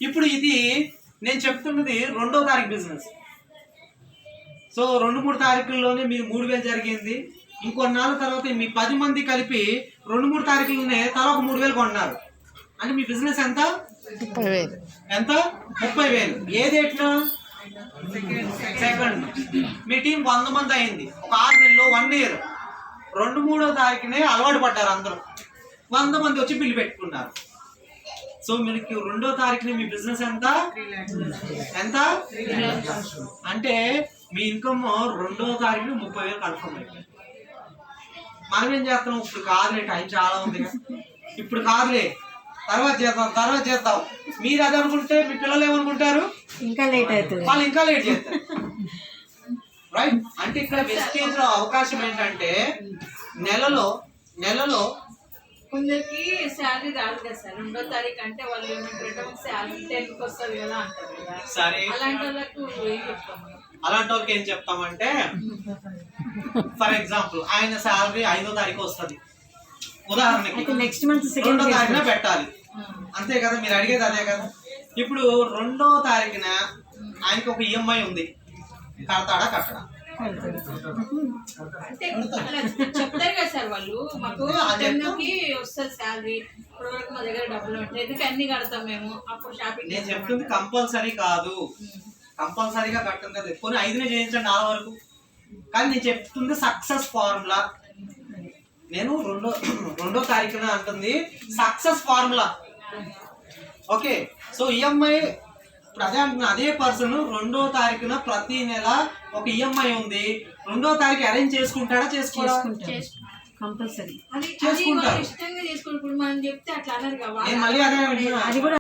ఇప్పుడు ఇది నేను చెప్తున్నది 2వ తారీఖు బిజినెస్. సో 2-3 తారీఖుల్లోనే మీరు 3000 జరిగింది. ఇంకొన్నాళ్ళ తర్వాత మీ 10 మంది కలిపి 2-3 తారీఖుల్లోనే తలా ఒక 3000 కొన్నారు అంటే మీ బిజినెస్ ఎంత? 30,000. ఎంత? 30,000. ఏ డేట్న? సెకండ్. మీ టీం 100 మంది అయింది. ఒక 6 నెలల్లో 1 ఇయర్ 2-3వ తారీఖునే అలవాటు పడ్డారు అందరూ. 100 మంది వచ్చి బిల్లు పెట్టుకున్నారు. సో మీకు 2వ తారీఖుని మీ బిజినెస్ ఎంత? ఎంత? అంటే మీ ఇన్కమ్ 2వ తారీఖుని 30,000 కన్ఫర్మ్ అయిపోయింది. మనం ఏం చేస్తాం? ఇప్పుడు కాదులే, టైం చాలా ఉంది, ఇప్పుడు కాదులే, తర్వాత చేద్దాం. మీరు అది అనుకుంటే మీ పిల్లలు ఏమనుకుంటారు? ఇంకా లేట్ అవుతుంది, వాళ్ళు ఇంకా లేట్ చేస్తారు. రైట్. అంటే ఇక్కడ వెస్టేజ్ లో అవకాశం ఏంటంటే నెలలో కొందరికి శాలరీ రాదు కదా సార్. 2వ తారీఖు అంటే వాళ్ళు శాలరీ 10కి వస్తుంది కదా అంటారు కదా. సరే, అలాంటి వాళ్ళకు ఏం చెప్తాం? అలాంటి వాళ్ళకి ఏం చెప్తామంటే ఫర్ ఎగ్జాంపుల్ ఆయన శాలరీ 5వ తారీఖు వస్తుంది ఉదాహరణకి, నెక్స్ట్ మంత్ 2వ తారీఖున పెట్టాలి. అంతే కదా, మీరు అడిగేది అదే కదా. ఇప్పుడు 2వ తారీఖున ఆయనకి ఒక ఈఎంఐ ఉంది, కడతాడా కట్టడా? అంటే చెప్తారు కదా సార్ వాళ్ళు, మాకు 10కి వస్తుంది శాలరీ, ఇప్పుడు వరకు మా దగ్గర డబ్బులు ఉంటాయి, ఎందుకు అన్ని కడతాం మేము, అప్పుడు షాపింగ్. నేను చెప్తుంది కంపల్సరీ కాదు, కంపల్సరీగా కట్టం కదా. కొన్ని 5నే చేయించండి 4 వరకు. కానీ నేను చెప్తుంది సక్సెస్ ఫార్ములా. నేను 2వ తారీఖున అంటుంది success formula. Okay. So EMI ఇప్పుడు అదే అంటున్నా, అదే పర్సన్ 2వ తారీఖున ప్రతి నెల ఒక ఈఎంఐ ఉంది. 2వ తారీఖు అరేంజ్ చేసుకుంటాడా? కంపల్సరీ అది ఇష్టంగా చేసుకోండి. ఇప్పుడు మనం చెప్తే అట్లా అన్నారు కదా. మళ్ళీ అదే అంటున్నా.